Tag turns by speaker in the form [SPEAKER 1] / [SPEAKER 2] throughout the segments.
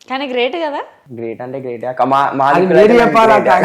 [SPEAKER 1] కానీ గ్రేట్ కదా.
[SPEAKER 2] గ్రేట్ అంటే గ్రేట్ అక్క. మా
[SPEAKER 3] అది
[SPEAKER 2] దిక్కులో
[SPEAKER 3] మీరు
[SPEAKER 2] అయితే
[SPEAKER 3] చెప్పాలి
[SPEAKER 2] great.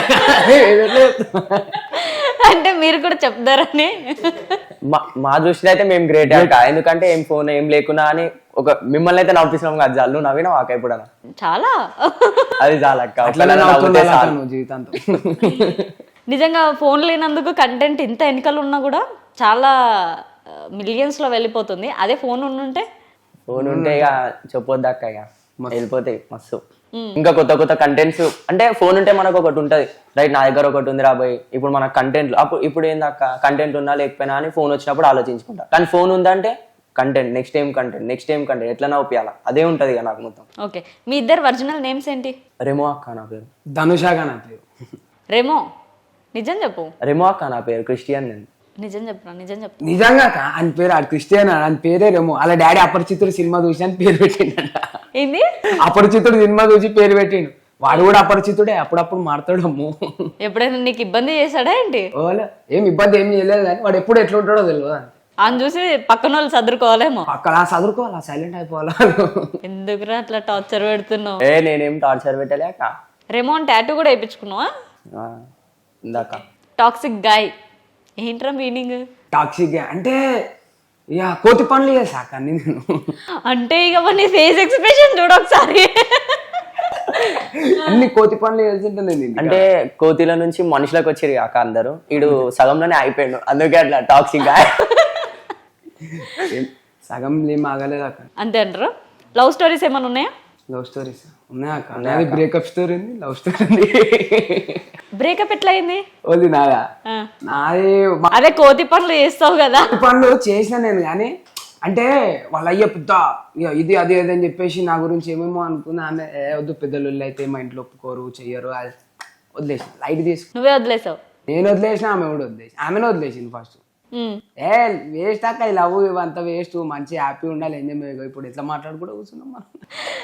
[SPEAKER 1] అంటే మీరు కూడా చెప్తారని.
[SPEAKER 2] మా దృష్టిలో అయితే మేము గ్రేట్ అక్క. ఎందుకంటే ఏం ఫోన్ ఏం లేకున్నా అని ఒక మిమ్మల్ని అయితే నవ్విస్తున్నాం కదా, చాలు. నువ్వు నవ్వినా వాక ఎప్పుడన్నా
[SPEAKER 1] చాలా
[SPEAKER 2] అది చాలక్క.
[SPEAKER 3] అట్లనే నవ్వుతుండాలి అక్క నువ్వు జీవితాంతం.
[SPEAKER 1] నిజంగా ఫోన్ లేనందుకు కంటెంట్ ఇంత వెనకలు ఉన్నా కూడా చాలా మిలియన్స్ లో వెళ్ళిపోతుంది. అదే ఫోన్ ఉండుంటే
[SPEAKER 2] ఫోన్ ఉంటే ఇక చెప్పొద్దు అక్క, ఇక వెళ్ళిపోతాయి మస్తు. ఇంకా కొత్త కొత్త కంటెంట్స్ అంటే ఫోన్ ఉంటే మనకు ఒకటి ఉంటది, రైట్. నా దగ్గర ఒకటి ఉంది రాబోయ్, ఇప్పుడు మన కంటెంట్ అప్పుడు ఇప్పుడు ఏందక్క, కంటెంట్ ఉన్నా లేకపోయినా అని ఫోన్ వచ్చినప్పుడు ఆలోచించుకుంటా. కానీ ఫోన్ ఉందంటే content, next time content, next time content, ఎట్లా నవ్వుపియాలా అదే ఉంటది ఇక నాకు మొత్తం.
[SPEAKER 1] ఓకే, మీ ఇద్దరు ఒరిజినల్ నేమ్స్ ఏంటి?
[SPEAKER 2] రెమో అక్క నా పేరు.
[SPEAKER 3] ధనుషాగా నా పేరు.
[SPEAKER 1] రెమో. నిజం చెప్పు.
[SPEAKER 2] రెమో అక్క నా పేరు, క్రిస్టియన్ నేను.
[SPEAKER 1] నిజం చెప్పు, నిజం చెప్పు.
[SPEAKER 3] నిజంగా అక్క ఆయన పేరు ఆడు క్రిస్టియన్, ఆయన పేరే రేమో. అలా డాడీ అపరిచితుడు సినిమా చూసి అని పేరు పెట్టిండ.
[SPEAKER 1] ఏంది?
[SPEAKER 3] అపరిచితుడు సినిమా చూసి పేరు పెట్టిండు. వాడు కూడా అపరిచితుడే, అప్పుడప్పుడు మారుతాడు. అమ్ము
[SPEAKER 1] ఎప్పుడైనా నీకు ఇబ్బంది చేశాడా ఏంటి?
[SPEAKER 3] ఓలే ఏం ఇబ్బంది ఏం చేయలేదు, కానీ వాడు ఎప్పుడు ఎట్లా ఉంటాడో తెలియదు.
[SPEAKER 1] ఆయన చూసి పక్కన వాళ్ళు చదువుకోవాలేమో.
[SPEAKER 3] అక్కడ చదువుకోవాలా, సైలెంట్ అయిపోవాలా.
[SPEAKER 1] ఎందుకురా అట్లా టార్చర్ పెడుతున్నావు?
[SPEAKER 2] నేనేం టార్చర్ పెట్టలే అక్క.
[SPEAKER 1] రెమోన్ టాటూ కూడా వేయించుకున్నావా?
[SPEAKER 2] ఇందాక
[SPEAKER 1] టాక్సిక్ గాయ్ ఏంట్రా మీనింగ్?
[SPEAKER 3] టాక్సిక్ అంటే ఇక కోతి పనులు చేసాక నేను.
[SPEAKER 1] అంటే ఇక నీ ఫేస్ ఎక్స్ప్రెషన్ చూడ ఒకసారి.
[SPEAKER 3] అన్ని కోతి పనులు చేస్తుంటే నేను.
[SPEAKER 2] అంటే కోతిల నుంచి మనుషులకు వచ్చారు కాక అందరూ, ఇడు సగంలోనే అయిపోయాడు, అందుకే అట్లా టాక్సిక్ గా.
[SPEAKER 3] సగం ఏం ఆగలేదు అక్క.
[SPEAKER 1] అంతే అంటారు. లవ్ స్టోరీస్ ఏమైనా ఉన్నాయా?
[SPEAKER 3] లవ్ స్టోరీస్ ఉన్నాయా అక్క? నాది బ్రేకప్ స్టోరీ ఉంది, లవ్ స్టోరీ ఉంది.
[SPEAKER 1] బ్రేకప్ ఎట్లా అయింది?
[SPEAKER 3] ఓది నాదా?
[SPEAKER 1] ఆ.
[SPEAKER 3] నాది
[SPEAKER 1] అదే కోతి పనులు చేస్తావు కదా.
[SPEAKER 3] కోతి పనులు చేసిన నేను, కానీ అంటే వాళ్ళ అయ్య పెద్ద ఇక ఇది అది అది అని చెప్పేసి నా గురించి ఏమేమో అనుకున్నా. ఆమె వద్దు, పెద్దలు అయితే మా ఇంట్లో ఒప్పుకోరు చెయ్యరు, అది వదిలేసిన, లైట్ తీసుకు.
[SPEAKER 1] నువ్వే వదిలేసావు?
[SPEAKER 3] నేను వదిలేసిన, ఆమె కూడా వదిలేసి, ఆమెనే వదిలేసింది ఫస్ట్. వేస్ట్ అక్క, ఈ లవ్ ఇవంతా వేస్ట్, మంచి హ్యాపీ ఉండాలి, ఎంజాయ్. ఇప్పుడు ఎట్లా మాట్లాడుకుంటూ కూర్చున్నాం మనం.